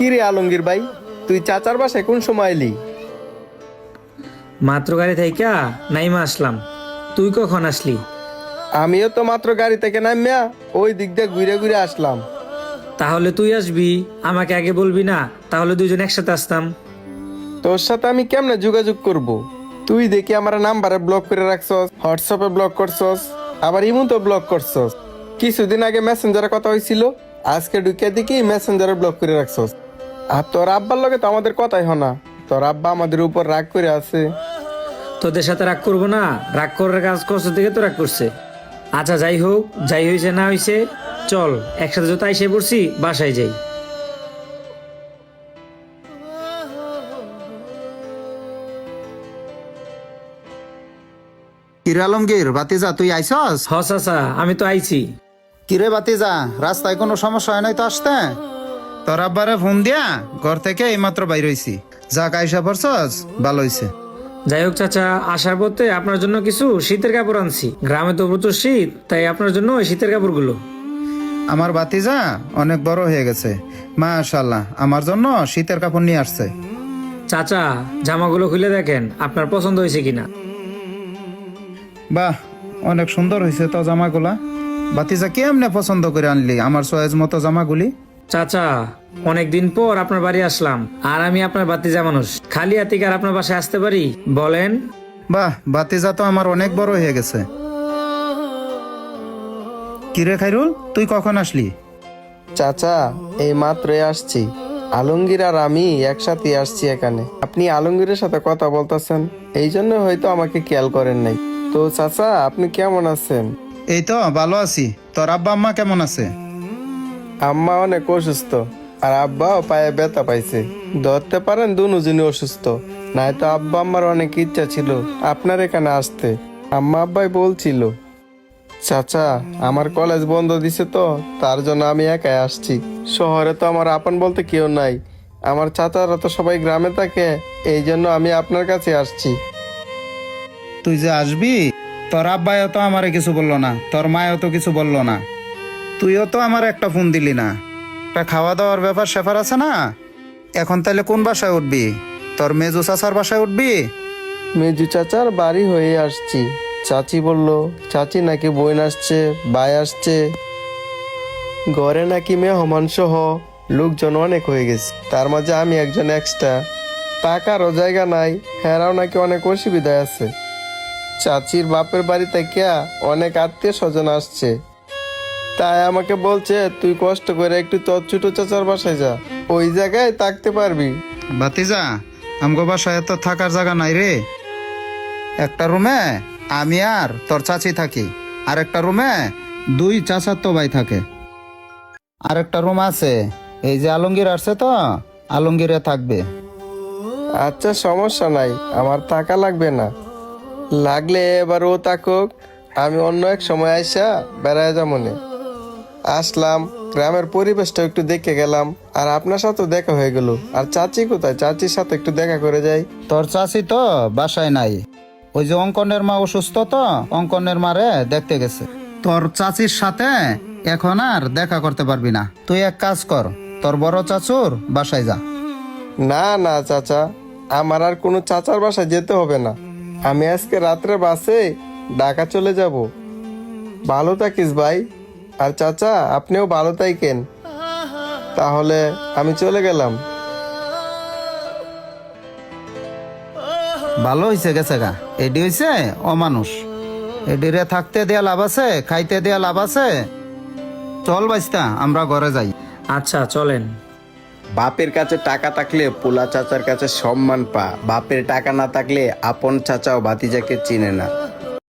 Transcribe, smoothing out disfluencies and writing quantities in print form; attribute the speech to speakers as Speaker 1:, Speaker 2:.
Speaker 1: কি রে আলমগীর ভাই, তুই চাচার বাসায় কোন সময় এলি?
Speaker 2: মাত্র গাড়ি থাইকা নাইমা আসলাম। তুই কখন আসলি?
Speaker 1: আমিও তো মাত্র গাড়ি থেকে নামিয়া ওই দিক দিয়ে ঘুরে ঘুরে আসলাম।
Speaker 2: তাহলে তুই আসবি, আমাকে আগে বলবি না? তাহলে দুইজন একসাথে আসতাম।
Speaker 1: তোর সাথে আমি কেমনে যোগাযোগ করব? তুই দেখি আমার নাম্বারে ব্লক করে রাখছস, হোয়াটসঅ্যাপে ব্লক করছস, আবার ইমো ব্লক করছস। কিছুদিন আগে মেসেঞ্জারে কথা হয়েছিল, আজকে ঢুকে দেখি মেসেঞ্জারে ব্লক করে রাখছস। আর তোর আব্বার লগে তো আমাদের কথাই হয় না, তোর আব্বা আমাদের উপর রাগ করে আছে।
Speaker 2: তোদের সাথে রাগ করবো না? রাগ করার কাজ করছে থেকে তো রাগ করছে। আচ্ছা যাই হোক, যাই হয়েছে না হয়েছে, চল একসাথে যত আইসে পড়ছি বাসায় যাই।
Speaker 3: কিরে আলমগীর বাতিজা, তুই আইসস?
Speaker 2: হ চাচা, আমি তো আইছি।
Speaker 3: কিরে বাতিজা, রাস্তায় কোনো সমস্যা হয় নাই তো আসতে? তোর আব্বারে ফোন দিয়া ঘর থেকে এইমাত্র বাইর হইছি। যাক আইসা পড়ছস, ভালো হইছে।
Speaker 2: যাই হোক চাচা, আসার পথে আপনার জন্য কিছু শীতের কাপড় আনছি। গ্রামে তো প্রচুর শীত, তাই আপনার জন্য ওই শীতের কাপড়গুলো।
Speaker 3: আমার বাতিজা অনেক বড় হয়ে গেছে, মাশাআল্লাহ, আমার জন্য শীতের কাপড় নিয়ে আসছে।
Speaker 2: চাচা, জামাগুলো খুলে দেখেন আপনার পছন্দ হয়েছে কিনা।
Speaker 3: বাহ, অনেক সুন্দর হয়েছে তো জামাগুলা। বাতিজা কেমনে পছন্দ করে আনলি আমার চয়েস মতো জামাগুলি?
Speaker 2: চাচা, অনেকদিন পর আপনার বাড়ি আসলাম, আর আমি আপনার বাতিজা মানুষ, খালি হাতে কি আর আপনার বাসায় আসতে পারি বলেন?
Speaker 3: বাহ, বাতিজা তো আমার অনেক বড় হয়ে গেছে। কিরে খাইরুল, তুই কখন আসলি?
Speaker 1: চাচা, এই মাত্রই আসছি। আলমগীর আর আমি একসাথে আসছি এখানে। আপনি আলমগীরের সাথে কথা বলতেছেন, এই জন্য হয়তো আমাকে খেয়াল করেন নাই। তো চাচা, আপনি কেমন আছেন?
Speaker 3: এই তো ভালো আছি। তোর আব্বা আম্মা কেমন আছে?
Speaker 1: আম্মা অনেক অসুস্থ, আর আব্বাও পায়ে ব্যথা পাইছে। ধরতে পারেন দুজনই অসুস্থ। নাই তো আব্বা আম্মার অনেক ইচ্ছা ছিল আপনার এখানে আসতে। আম্মা আব্বাই বলছিল। চাচা, আমার কলেজ বন্ধ দিছে তো, তার জন্য আমি একাই আসছি। শহরে তো আমার আপন বলতে কেউ নাই, আমার চাচারা তো সবাই গ্রামে থাকে, এই জন্য আমি আপনার কাছে আসছি।
Speaker 3: তুই যে আসবি, তোর আব্বাইও তো আমারে কিছু বললো না, তোর মায়ও তো কিছু বললো না, তুইও তো আমার একটা ফোন দিলি না। একটা খাওয়া দাওয়ার ব্যাপার স্যাপার আছে না? এখন তাহলে কোন বাসায় উঠবি? তোর মেজু চাচার বাসায় উঠবি?
Speaker 1: মেজু চাচার বাড়ি হয়ে আসছি। চাচি বলল চাচি নাকি বোন আসছে, ভাই আসছে, ঘরে নাকি মেহমান সহ লোকজন অনেক হয়ে গেছে। তার মাঝে আমি একজন এক্সট্রা, টাকারও জায়গা নাই, হেরাও নাকি অনেক অসুবিধায় আছে। চাচির বাপের বাড়ি থেকে অনেক আত্মীয় স্বজন আসছে, তাই আমাকে বলছে তুই কষ্ট করে একটু তোর ছোট চাচার বাসায় যা, ওই জায়গায় থাকতে পারবি।
Speaker 3: ভাতিজা, আমগো বাসায় তো থাকার জায়গা নাই রে। একটা রুমে আমি আর তোর চাচি থাকি, আর একটা রুমে দুই চাচার তো ভাই থাকে। আর একটা রুম আছে, এই যে আলমগীর আসছে তো, আলমগীরে থাকবে।
Speaker 1: আচ্ছা, সমস্যা নাই, আমার টাকা লাগবে না। লাগলে এবার ও থাকুক, আমি অন্য এক সময় আইসা বেড়ায় যামনে। আসলাম, গ্রামের পরিবেশটা একটু দেখে গেলাম, আর আপনার সাথে দেখা হয়ে গেল। আর চাচি কোথায়? চাচির সাথে একটু দেখা করে যাই।
Speaker 3: তোর চাচি তো বাসায় নাই, ওই যে অঙ্কনের মা অসুস্থ তো, অঙ্কনের মারে দেখতে গেছে। তোর চাচির সাথে এখন আর দেখা করতে পারবি না। তুই এক কাজ কর, তোর বড় চাচুর বাসায় যা।
Speaker 1: না না চাচা, আমার আর কোনো চাচার বাসায় যেতে হবে না। আমি আজকে রাত্রে বাসে ঢাকা চলে যাব। ভালো থাকিস ভাই, আর চাচা আপনিও ভালো থাকেন। তাহলে আমি চলে গেলাম।
Speaker 3: ভালো হইছে গেছে গা, এডি হইছে অমানুষ। এডিরে থাকতে দেয়া লাভ আছে, খাইতে দেয়া লাভ আছে। চল বাইস্তা, আমরা ঘরে যাই।
Speaker 2: আচ্ছা চলেন।
Speaker 1: বাপের কাছে টাকা থাকলে পোলা চাচার কাছে সম্মান পা, বাপের টাকা না থাকলে আপন চাচাও ভাতিজাকে চিনে না।